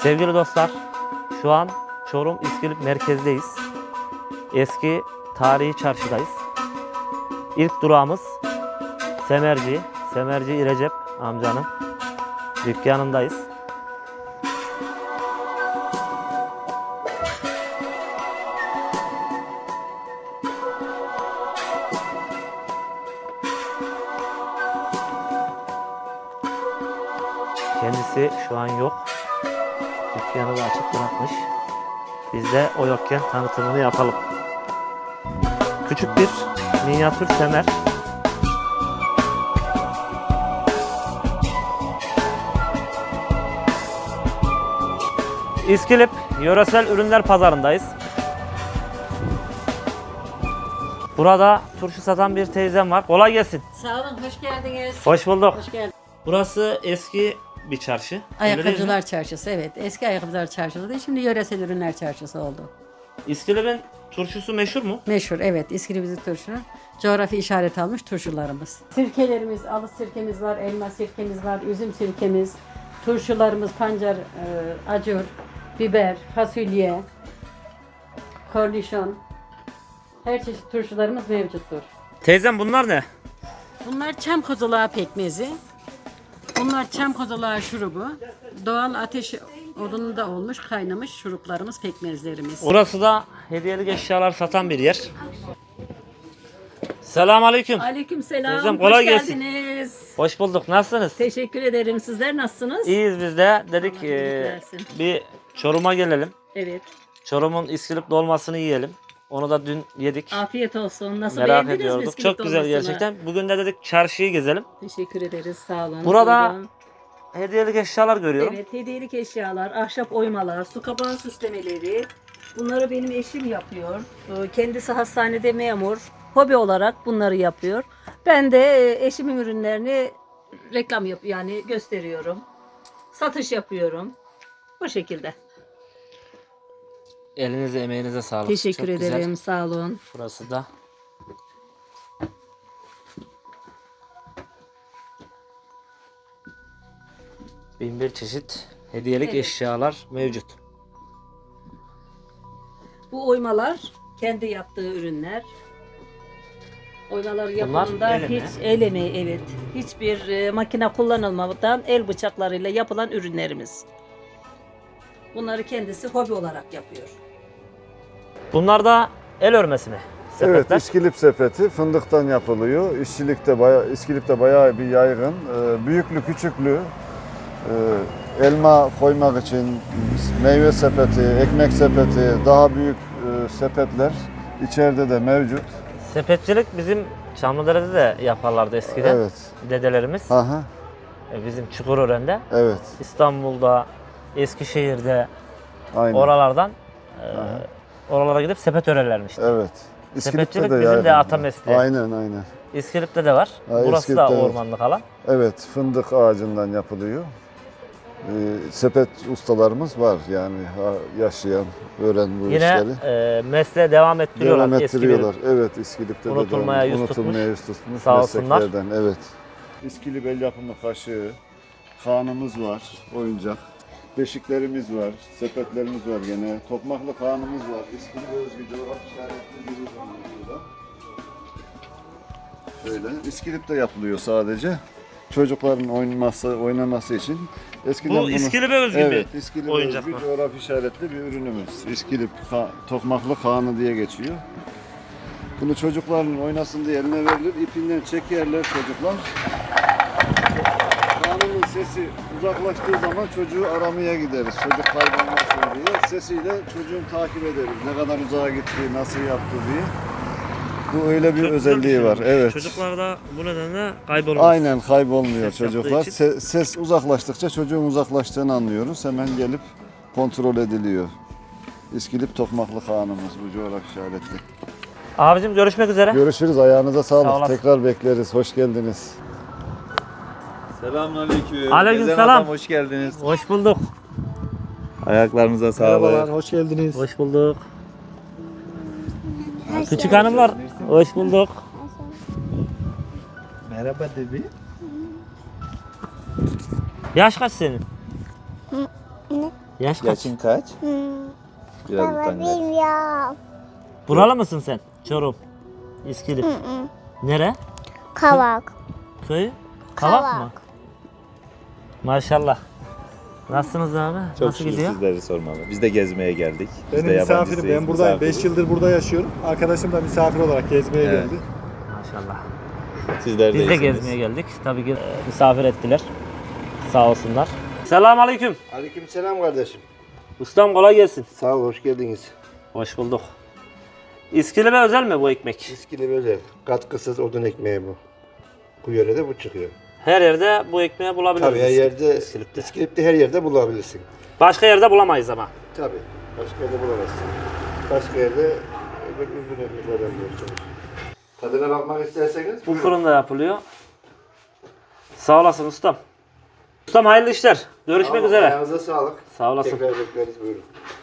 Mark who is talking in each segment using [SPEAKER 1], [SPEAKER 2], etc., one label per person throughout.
[SPEAKER 1] Sevgili dostlar, şu an Çorum İskilip merkezdeyiz. Eski tarihi çarşıdayız. İlk durağımız Semerci Recep amcanın dükkanındayız. Kendisi şu an yok. Dükkanı da açık bırakmış. Biz de o yokken tanıtımını yapalım. Küçük bir minyatür semer. İskilip Yöresel Ürünler Pazarındayız. Burada turşu satan bir teyzem var. Kolay gelsin.
[SPEAKER 2] Sağ olun, hoş geldiniz.
[SPEAKER 1] Hoş bulduk.
[SPEAKER 2] Hoş geldiniz.
[SPEAKER 1] Burası eski bir çarşı. Öyle değil mi?
[SPEAKER 2] Ayakkabıcılar Çarşısı, evet. Eski Ayakkabıcılar Çarşısı değil, şimdi Yöresel Ürünler Çarşısı oldu.
[SPEAKER 1] İskilip'in turşusu meşhur mu?
[SPEAKER 2] Meşhur, evet. İskilip'in turşu. Coğrafi işaret almış turşularımız. Sirkelerimiz, alı sirkemiz var, elma sirkemiz var, üzüm sirkemiz, turşularımız, pancar, acur, biber, fasulye, kornişon. Her çeşit turşularımız mevcuttur.
[SPEAKER 1] Teyzem bunlar ne?
[SPEAKER 2] Bunlar çam kozalağı pekmezi. Bunlar çam kozalağı şurubu. Doğal ateş odununda olmuş, kaynamış şuruplarımız, pekmezlerimiz.
[SPEAKER 1] Orası da hediyelik eşyalar satan bir yer. Selamünaleyküm.
[SPEAKER 3] Aleykümselam.
[SPEAKER 1] Teyzem, kolay
[SPEAKER 3] Hoş
[SPEAKER 1] gelsin.
[SPEAKER 3] geldiniz.
[SPEAKER 1] Hoş bulduk. Nasılsınız?
[SPEAKER 3] Teşekkür ederim. Sizler nasılsınız?
[SPEAKER 1] İyiyiz biz de. Dedik
[SPEAKER 3] Allah iyilik versin.
[SPEAKER 1] bir Çorum'a gelelim.
[SPEAKER 3] Evet.
[SPEAKER 1] Çorum'un İskilip dolmasını yiyelim. Onu da dün yedik.
[SPEAKER 3] Afiyet olsun. Nasıl
[SPEAKER 1] Merak
[SPEAKER 3] beğendiniz mi
[SPEAKER 1] ediyorduk.
[SPEAKER 3] İskilip
[SPEAKER 1] Çok güzel
[SPEAKER 3] dolmasını?
[SPEAKER 1] gerçekten. Bugün de dedik çarşıyı gezelim.
[SPEAKER 3] Teşekkür ederiz. Sağ olun.
[SPEAKER 1] Burada
[SPEAKER 3] Buyurun.
[SPEAKER 1] hediyelik eşyalar görüyorum.
[SPEAKER 3] Evet, hediyelik eşyalar, ahşap oymalar, su kapağı süslemeleri. Bunları benim eşim yapıyor. Kendisi hastanede memur. Hobi olarak bunları yapıyor. Ben de eşimin ürünlerini reklam yani gösteriyorum. Satış yapıyorum. Bu şekilde.
[SPEAKER 1] Elinize emeğinize sağlık.
[SPEAKER 3] Teşekkür
[SPEAKER 1] Çok güzel.
[SPEAKER 3] ederim. Sağ olun.
[SPEAKER 1] Burası da. Bin bir çeşit hediyelik
[SPEAKER 3] Evet.
[SPEAKER 1] eşyalar mevcut.
[SPEAKER 3] Bu oymalar kendi yaptığı ürünler. Oymalar yapımında
[SPEAKER 1] el emeği.
[SPEAKER 3] hiç el emeği, evet. Hiçbir makine kullanılmadan el bıçaklarıyla yapılan ürünlerimiz. Bunları kendisi hobi olarak yapıyor.
[SPEAKER 1] Bunlar da el örmesi mi?
[SPEAKER 4] Evet,
[SPEAKER 1] Sepetler.
[SPEAKER 4] İskilip sepeti fındıktan yapılıyor. İskilip'te bayağı bir yaygın. Büyüklü, küçüklü, elma koymak için meyve sepeti, ekmek sepeti, daha büyük sepetler içeride de mevcut.
[SPEAKER 1] Sepetçilik bizim Çamlıdere'de de yaparlardı eskiden.
[SPEAKER 4] Evet.
[SPEAKER 1] Dedelerimiz.
[SPEAKER 4] Aha,
[SPEAKER 1] Bizim Çukurören'de.
[SPEAKER 4] evet.
[SPEAKER 1] İstanbul'da, Eskişehir'de,
[SPEAKER 4] Aynen.
[SPEAKER 1] oralardan oralara gidip sepet örerlermiş.
[SPEAKER 4] Evet.
[SPEAKER 1] Sepetçilik
[SPEAKER 4] de
[SPEAKER 1] bizim de
[SPEAKER 4] yaygın.
[SPEAKER 1] ata mesleği.
[SPEAKER 4] Aynen.
[SPEAKER 1] İskilip'te de var.
[SPEAKER 4] Ha,
[SPEAKER 1] Burası da
[SPEAKER 4] İskilip'te var.
[SPEAKER 1] ormanlık alan.
[SPEAKER 4] Evet, fındık ağacından yapılıyor. Sepet ustalarımız var yani yaşayan, öğren bu
[SPEAKER 1] Yine
[SPEAKER 4] işleri.
[SPEAKER 1] mesleğe devam ettiriyorlar.
[SPEAKER 4] Devam
[SPEAKER 1] eski
[SPEAKER 4] ettiriyorlar. Evet, İskilip'te
[SPEAKER 1] Unutulmaya
[SPEAKER 4] de
[SPEAKER 1] yüz
[SPEAKER 4] unutulmaya yüz tutmuş
[SPEAKER 1] Sağ olsunlar.
[SPEAKER 4] mesleklerden. Evet. İskilip el yapımı kaşığı, kağnımız var, oyuncak. Beşiklerimiz var, sepetlerimiz var gene. Tokmaklı kağnımız var. İskilip özgü coğrafi işaretli bir ürün burada. Şöyle, İskilip'te yapılıyor sadece. Çocukların oynaması için. Eskiden
[SPEAKER 1] Bu İskilip'e özgü
[SPEAKER 4] evet,
[SPEAKER 1] bir
[SPEAKER 4] İskilip
[SPEAKER 1] oyuncak
[SPEAKER 4] özgü
[SPEAKER 1] mı?
[SPEAKER 4] coğrafi işaretli bir ürünümüz. İskilip tokmaklı kağnı diye geçiyor. Bunu çocukların oynasın diye eline verilir. İpinden çekerler çocuklar. Kağnının sesi uzaklaştığı zaman çocuğu aramaya gideriz. Çocuk kaybolmasın diye. Sesiyle çocuğun takip ederiz. Ne kadar uzağa gitti, nasıl yaptı diye. Bu öyle bir
[SPEAKER 1] Çok güzel
[SPEAKER 4] özelliği
[SPEAKER 1] şey
[SPEAKER 4] var.
[SPEAKER 1] olmuş.
[SPEAKER 4] Evet.
[SPEAKER 1] Çocuklar da bu nedenle kaybolmaz.
[SPEAKER 4] Aynen kaybolmuyor
[SPEAKER 1] Ses yaptığı
[SPEAKER 4] çocuklar.
[SPEAKER 1] için.
[SPEAKER 4] Ses uzaklaştıkça çocuğun uzaklaştığını anlıyoruz. Hemen gelip kontrol ediliyor. İskilip tokmaklı kağnımız bu coğrafi işaretli.
[SPEAKER 1] Abicim görüşmek üzere.
[SPEAKER 4] Görüşürüz. Ayağınıza
[SPEAKER 1] Sağ
[SPEAKER 4] sağlık.
[SPEAKER 1] olasın.
[SPEAKER 4] Tekrar bekleriz. Hoş geldiniz.
[SPEAKER 5] Selamünaleyküm.
[SPEAKER 1] Aleykümselam.
[SPEAKER 5] Gezen Adam, hoş geldiniz.
[SPEAKER 1] Hoş bulduk.
[SPEAKER 5] Ayaklarınıza sağlık.
[SPEAKER 6] hoş geldiniz.
[SPEAKER 1] Hoş bulduk. Küçük hanımlar, hoş bulduk.
[SPEAKER 5] Merhaba de bir.
[SPEAKER 1] Yaş kaç senin? Yaş kaç?
[SPEAKER 5] Yaşın kaç? Biraz
[SPEAKER 6] Baba
[SPEAKER 5] utangaç.
[SPEAKER 6] bilmiyorum.
[SPEAKER 1] Buralı mısın sen? Çorum. İskilip. Nere?
[SPEAKER 6] Kavak.
[SPEAKER 1] Köy? Kavak mı?
[SPEAKER 6] Kavak.
[SPEAKER 1] Maşallah. Nasılsınız abi?
[SPEAKER 5] Çok
[SPEAKER 1] Nasıl
[SPEAKER 5] şükür
[SPEAKER 1] gidiyor?
[SPEAKER 5] sizleri sormalı. Biz de gezmeye geldik. Biz
[SPEAKER 7] Benim
[SPEAKER 5] de
[SPEAKER 7] misafirim.
[SPEAKER 5] yabancısıyız,
[SPEAKER 7] Ben buradayım. 5
[SPEAKER 5] misafiriz.
[SPEAKER 7] yıldır burada yaşıyorum. Arkadaşım da misafir olarak gezmeye
[SPEAKER 5] Evet.
[SPEAKER 7] geldi.
[SPEAKER 1] Maşallah.
[SPEAKER 5] Sizler
[SPEAKER 1] Biz de
[SPEAKER 5] iyisiniz.
[SPEAKER 1] gezmeye geldik. Tabii ki misafir ettiler. Sağ olsunlar. Selamünaleyküm.
[SPEAKER 8] Aleykümselam kardeşim.
[SPEAKER 1] Ustam kolay gelsin.
[SPEAKER 8] Sağ ol, hoş geldiniz.
[SPEAKER 1] Hoş bulduk. İskilip'e özel mi bu ekmek?
[SPEAKER 8] İskili böyle katkısız odun ekmeği bu. Bu yörede bu çıkıyor.
[SPEAKER 1] Her yerde bu ekmeği bulabiliriz.
[SPEAKER 8] Tabii her yerde,
[SPEAKER 1] İskilip'te.
[SPEAKER 8] İskilip'te her yerde bulabilirsin.
[SPEAKER 1] Başka yerde bulamayız ama.
[SPEAKER 8] Tabii, başka yerde bulamazsın. Başka yerde öbür ekmeklerden bulursunuz. Tadına bakmak isterseniz
[SPEAKER 1] Bu
[SPEAKER 8] buyurun.
[SPEAKER 1] fırında yapılıyor. Sağ olasın ustam. Ustam hayırlı işler. Görüşmek
[SPEAKER 8] Tamam,
[SPEAKER 1] üzere.
[SPEAKER 8] ayağınıza sağlık.
[SPEAKER 1] Sağ olasın.
[SPEAKER 8] Tekrar bekleriz, buyurun.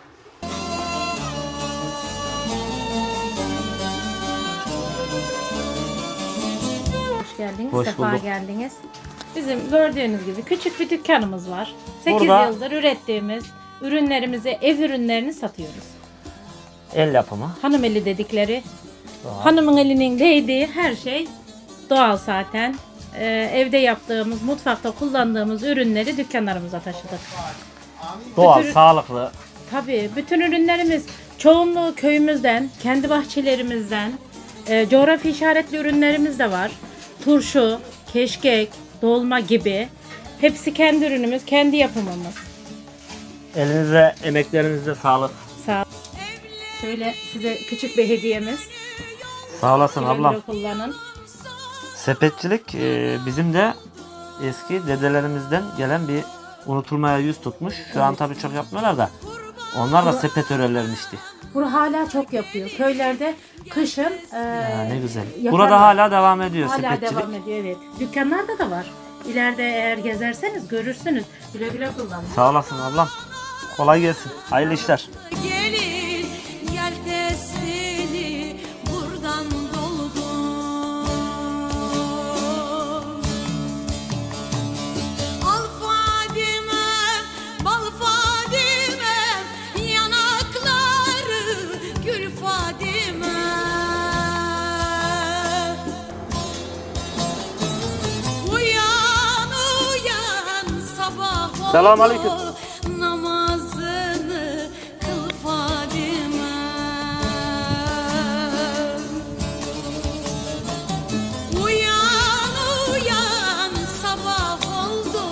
[SPEAKER 9] Hoş geldiniz,
[SPEAKER 1] Hoş
[SPEAKER 9] sefa
[SPEAKER 1] bulduk.
[SPEAKER 9] geldiniz. Bizim gördüğünüz gibi küçük bir dükkanımız var. 8
[SPEAKER 1] Burada-
[SPEAKER 9] yıldır ürettiğimiz ürünlerimizi, ev ürünlerini satıyoruz.
[SPEAKER 1] El yapımı.
[SPEAKER 9] Hanım eli dedikleri, hanımın elinin değdiği her şey doğal zaten. Evde yaptığımız, mutfakta kullandığımız ürünleri dükkanlarımıza taşıdık.
[SPEAKER 1] Doğal,
[SPEAKER 9] Bütün-
[SPEAKER 1] sağlıklı.
[SPEAKER 9] Tabii bütün ürünlerimiz çoğunluğu köyümüzden, kendi bahçelerimizden, coğrafi işaretli ürünlerimiz de var. Turşu, keşkek, dolma gibi. Hepsi kendi ürünümüz, kendi yapımımız.
[SPEAKER 1] Elinize, emeklerinize sağlık.
[SPEAKER 9] Sağ Şöyle size küçük bir hediyemiz.
[SPEAKER 1] Sağ olasın
[SPEAKER 9] Güle
[SPEAKER 1] ablam.
[SPEAKER 9] güle kullanın.
[SPEAKER 1] Sepetçilik bizim de eski dedelerimizden gelen bir unutulmaya yüz tutmuş. Şu an tabii çok yapmıyorlar da. Onlar da sepet örerlermişti.
[SPEAKER 9] Bunu hala çok yapıyor. Köylerde kışın
[SPEAKER 1] Ha, ne güzel.
[SPEAKER 9] yaparlar.
[SPEAKER 1] Burada hala devam ediyor
[SPEAKER 9] hala
[SPEAKER 1] sepetçilik.
[SPEAKER 9] devam ediyor, evet. Dükkanlarda da var. İleride eğer gezerseniz görürsünüz. Güle güle kullanın.
[SPEAKER 1] Sağ olasın ablam. Kolay gelsin. Hayırlı işler.
[SPEAKER 10] Gelin gel testini buradan doldur. Al Fadime, bal Fadime, yanakları gül Fadime. Uyan uyan sabah oldu.
[SPEAKER 1] Selamünaleyküm.
[SPEAKER 10] Namazını kıl Fadime. Uyan uyan sabah oldu.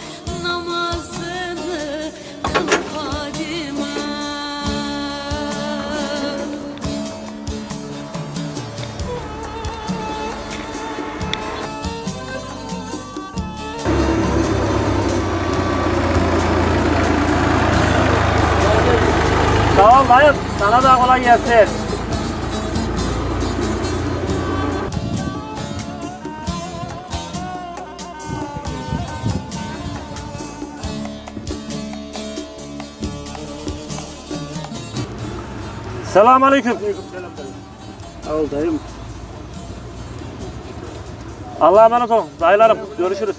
[SPEAKER 10] Namazını kıl Fadime.
[SPEAKER 1] Sağ ol dayım. Sana da kolay gelsin. Selamünaleyküm.
[SPEAKER 8] Al dayım.
[SPEAKER 1] Allah'a emanet olun. Dayılarım görüşürüz.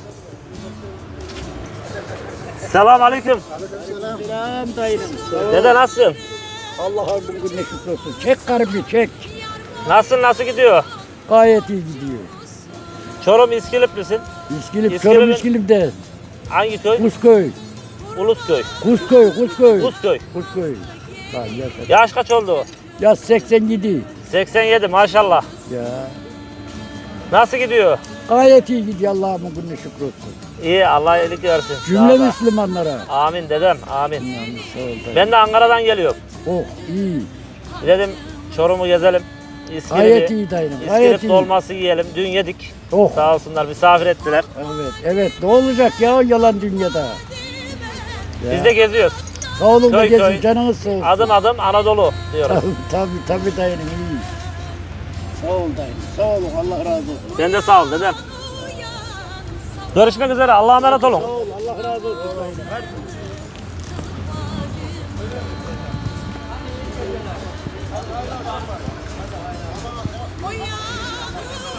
[SPEAKER 1] Selamünaleyküm.
[SPEAKER 11] Selam dayım.
[SPEAKER 1] Dede nasılsın?
[SPEAKER 11] Allah'a bugün ne şükür olsun. Çek karımı çek.
[SPEAKER 1] Nasıl gidiyor?
[SPEAKER 11] Gayet iyi gidiyor.
[SPEAKER 1] Çorum İskiliplisin.
[SPEAKER 11] İskilip,
[SPEAKER 1] İskilip'in-
[SPEAKER 11] Çorum İskilip'te.
[SPEAKER 1] Hangi köy?
[SPEAKER 11] Kuzköy.
[SPEAKER 1] Ulusköy.
[SPEAKER 11] Kuzköy.
[SPEAKER 1] Kuzköy.
[SPEAKER 11] Kuzköy. Lan ya,
[SPEAKER 1] Yaş kaç oldu?
[SPEAKER 11] ya 87.
[SPEAKER 1] 87 maşallah.
[SPEAKER 11] Ya.
[SPEAKER 1] Nasıl gidiyor?
[SPEAKER 11] Gayet iyi gidiyor Allah'a bugün ne şükür olsun.
[SPEAKER 1] İyi Allah iyilik versin.
[SPEAKER 11] Cümle
[SPEAKER 1] Sağ ol.
[SPEAKER 11] Müslümanlara.
[SPEAKER 1] Amin dedem amin.
[SPEAKER 11] Yani sağ ol dayım.
[SPEAKER 1] Ben de Ankara'dan geliyorum.
[SPEAKER 11] Oh iyi.
[SPEAKER 1] Dedim Çorum'u gezelim.
[SPEAKER 11] Gayet
[SPEAKER 1] İskilip'i,
[SPEAKER 11] iyi dayım. Gayet
[SPEAKER 1] İskilip
[SPEAKER 11] iyi.
[SPEAKER 1] dolması yiyelim. Dün yedik.
[SPEAKER 11] Oh.
[SPEAKER 1] Sağ olsunlar misafir ettiler.
[SPEAKER 11] Evet. Ne olacak ya yalan dünyada. Ya.
[SPEAKER 1] Biz de geziyoruz.
[SPEAKER 11] Sağ olun da
[SPEAKER 1] köy
[SPEAKER 11] gezin
[SPEAKER 1] köy.
[SPEAKER 11] canınız sağ olsun.
[SPEAKER 1] Adım adım Anadolu diyoruz.
[SPEAKER 11] Tabii dayım iyi. Sağ ol dayım. Sağ olun Allah razı olsun.
[SPEAKER 1] Sen de sağ ol dedem. Görüşmek üzere. Allah'a emanet olun.
[SPEAKER 11] Sağ ol Allah razı olsun dayım.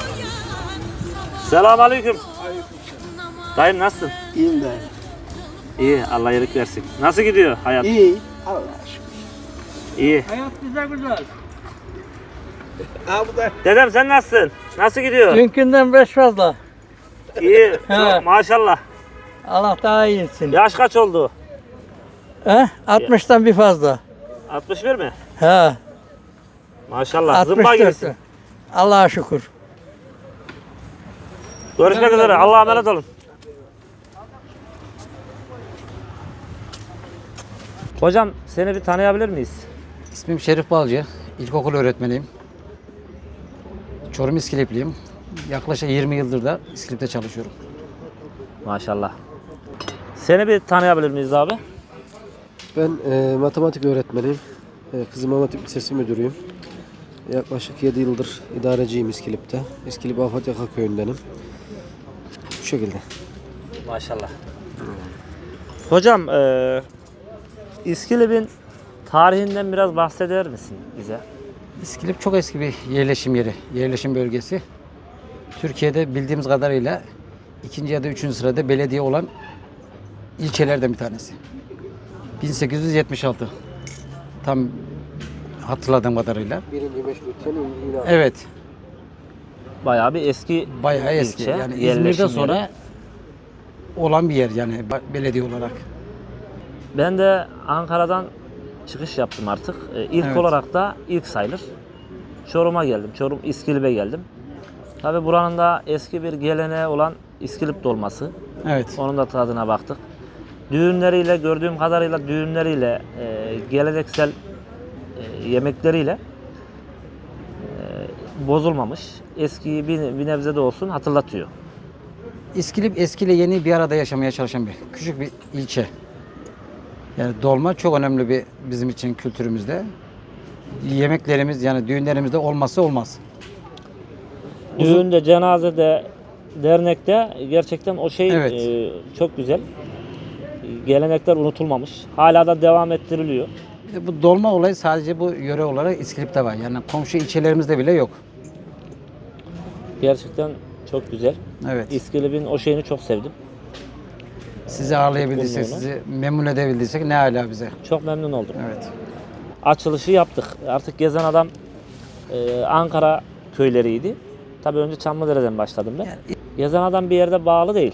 [SPEAKER 1] Selamünaleyküm. Dayım nasılsın?
[SPEAKER 8] İyiyim dayım.
[SPEAKER 1] İyi, Allah iyilik versin. Nasıl gidiyor hayat?
[SPEAKER 11] İyi. Allah'a şükür.
[SPEAKER 1] İyi.
[SPEAKER 11] Hayat güzel güzel. Ha bu da.
[SPEAKER 1] Dedem sen nasılsın? Nasıl gidiyor?
[SPEAKER 11] Dünkünden 5 fazla.
[SPEAKER 1] İyi,
[SPEAKER 11] He.
[SPEAKER 1] çok, maşallah.
[SPEAKER 11] Allah daha iyi etsin.
[SPEAKER 1] Yaş kaç oldu?
[SPEAKER 11] He? 60'tan bir fazla.
[SPEAKER 1] 61 mi?
[SPEAKER 11] He.
[SPEAKER 1] Maşallah, zımba
[SPEAKER 11] 64.
[SPEAKER 1] gibisin.
[SPEAKER 11] Allah'a şükür.
[SPEAKER 1] Görüşmek üzere, Allah'a emanet olun. Hocam, seni bir tanıyabilir miyiz?
[SPEAKER 12] İsmim Şerif Balcı. İlkokul öğretmeniyim. Çorum İskilipliyim. Yaklaşık 20 yıldır da İskilip'te çalışıyorum.
[SPEAKER 1] Maşallah. Seni bir tanıyabilir miyiz abi?
[SPEAKER 13] Ben matematik öğretmeniyim. Kızım Matematik Lisesi müdürüyüm. Yaklaşık 7 yıldır idareciyim İskilip'te. İskilip Afat Yaka köyündenim. Bu şekilde.
[SPEAKER 1] Maşallah. Hocam, İskilip'in tarihinden biraz bahseder misin bize?
[SPEAKER 12] İskilip çok eski bir yerleşim yeri, yerleşim bölgesi. Türkiye'de bildiğimiz kadarıyla 2. ya da 3. sırada belediye olan ilçelerden bir tanesi. 1876. Tam hatırladığım kadarıyla.
[SPEAKER 13] Birinci meşrutiyenin ilanı.
[SPEAKER 12] Evet,
[SPEAKER 1] Bayağı bir eski
[SPEAKER 12] bayağı eski.
[SPEAKER 1] ilçe,
[SPEAKER 12] Yani
[SPEAKER 1] yerleşim
[SPEAKER 12] İzmir'den sonra
[SPEAKER 1] yeri.
[SPEAKER 12] olan bir yer yani belediye olarak.
[SPEAKER 1] Ben de Ankara'dan çıkış yaptım artık. İlk
[SPEAKER 12] Evet.
[SPEAKER 1] olarak da ilk sayılır. Çorum'a geldim. Çorum İskilip'e geldim. Tabii buranın da eski bir geleneği olan İskilip dolması.
[SPEAKER 12] Evet.
[SPEAKER 1] Onun da tadına baktık. Düğünleriyle, gördüğüm kadarıyla düğünleriyle, geleneksel yemekleriyle bozulmamış. Eskiyi bir nebze de olsun hatırlatıyor.
[SPEAKER 12] İskilip eskiyle yeni bir arada yaşamaya çalışan bir küçük bir ilçe. Yani dolma çok önemli bir bizim için kültürümüzde. Yemeklerimiz yani düğünlerimizde olmazsa olmaz.
[SPEAKER 1] Düğünde, cenazede, dernekte gerçekten o şey
[SPEAKER 12] Evet.
[SPEAKER 1] çok güzel. Gelenekler unutulmamış. Hala da devam ettiriliyor.
[SPEAKER 12] Bu dolma olayı sadece bu yöre olarak İskilip'te var. Yani komşu ilçelerimizde bile yok.
[SPEAKER 1] Gerçekten çok güzel.
[SPEAKER 12] Evet.
[SPEAKER 1] İskilip'in o şeyini çok sevdim.
[SPEAKER 12] Sizi ağırlayabildiysek,
[SPEAKER 1] Bulunduğunu.
[SPEAKER 12] sizi memnun edebildiysek ne hala bize.
[SPEAKER 1] Çok memnun oldum.
[SPEAKER 12] Evet.
[SPEAKER 1] Açılışı yaptık. Artık gezen adam Ankara köyleriydi. Tabii önce Çamlıdere'den başladım ben. Gezen adam bir yerde bağlı değil.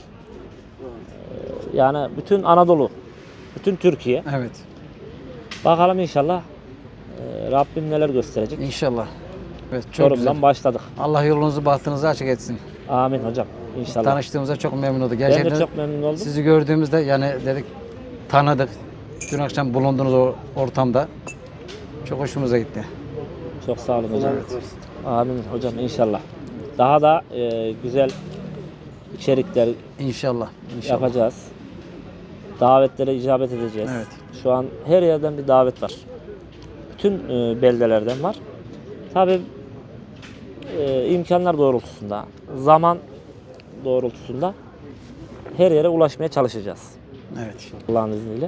[SPEAKER 1] Yani bütün Anadolu, bütün Türkiye.
[SPEAKER 12] Evet.
[SPEAKER 1] Bakalım inşallah Rabbim neler gösterecek.
[SPEAKER 12] İnşallah. Evet, çok
[SPEAKER 1] Çorum'dan
[SPEAKER 12] güzel.
[SPEAKER 1] başladık.
[SPEAKER 12] Allah yolunuzu bahtınızı açık etsin.
[SPEAKER 1] Amin hocam. İnşallah.
[SPEAKER 12] Tanıştığımıza çok memnun olduk.
[SPEAKER 1] Ben
[SPEAKER 12] Gerçekten
[SPEAKER 1] de çok memnun oldum.
[SPEAKER 12] sizi gördüğümüzde yani dedik tanıdık. Dün akşam bulunduğunuz o ortamda çok hoşumuza gitti.
[SPEAKER 1] Çok sağ olun hocam. Amin hocam inşallah. Daha da güzel içerikler
[SPEAKER 12] İnşallah. İnşallah.
[SPEAKER 1] yapacağız. Davetlere icabet edeceğiz.
[SPEAKER 12] Evet.
[SPEAKER 1] Şu an her yerden bir davet var. Bütün beldelerden var. Tabii imkanlar doğrultusunda, zaman doğrultusunda her yere ulaşmaya çalışacağız.
[SPEAKER 12] Evet.
[SPEAKER 1] Allah'ın izniyle.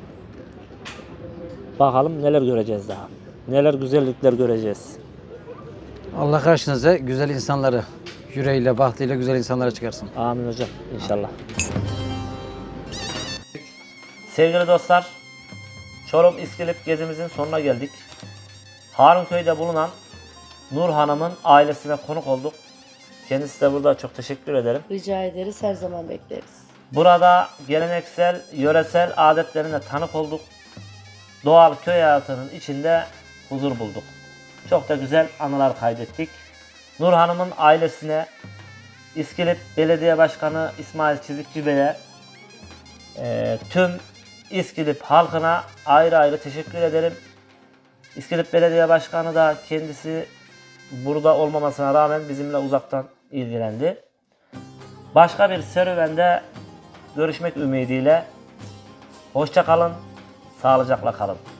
[SPEAKER 1] Bakalım neler göreceğiz daha. Neler güzellikler göreceğiz.
[SPEAKER 12] Allah karşınıza güzel insanları, yüreğiyle, bahtıyla güzel insanlara çıkarsın.
[SPEAKER 1] Amin hocam inşallah. Sevgili dostlar, Çorum İskilip gezimizin sonuna geldik. Harunköy'de bulunan Nur Hanım'ın ailesine konuk olduk. Kendisi de burada, çok teşekkür ederim.
[SPEAKER 10] Rica ederiz, her zaman bekleriz.
[SPEAKER 1] Burada geleneksel, yöresel adetlerine tanık olduk. Doğal köy hayatının içinde huzur bulduk. Çok da güzel anılar kaydettik. Nur Hanım'ın ailesine, İskilip Belediye Başkanı İsmail Çizikçi Bey'e, tüm İskilip halkına ayrı ayrı teşekkür ederim. İskilip Belediye Başkanı da kendisi burada olmamasına rağmen bizimle uzaktan ilgilendi. Başka bir serüvende görüşmek ümidiyle hoşça kalın, sağlıcakla kalın.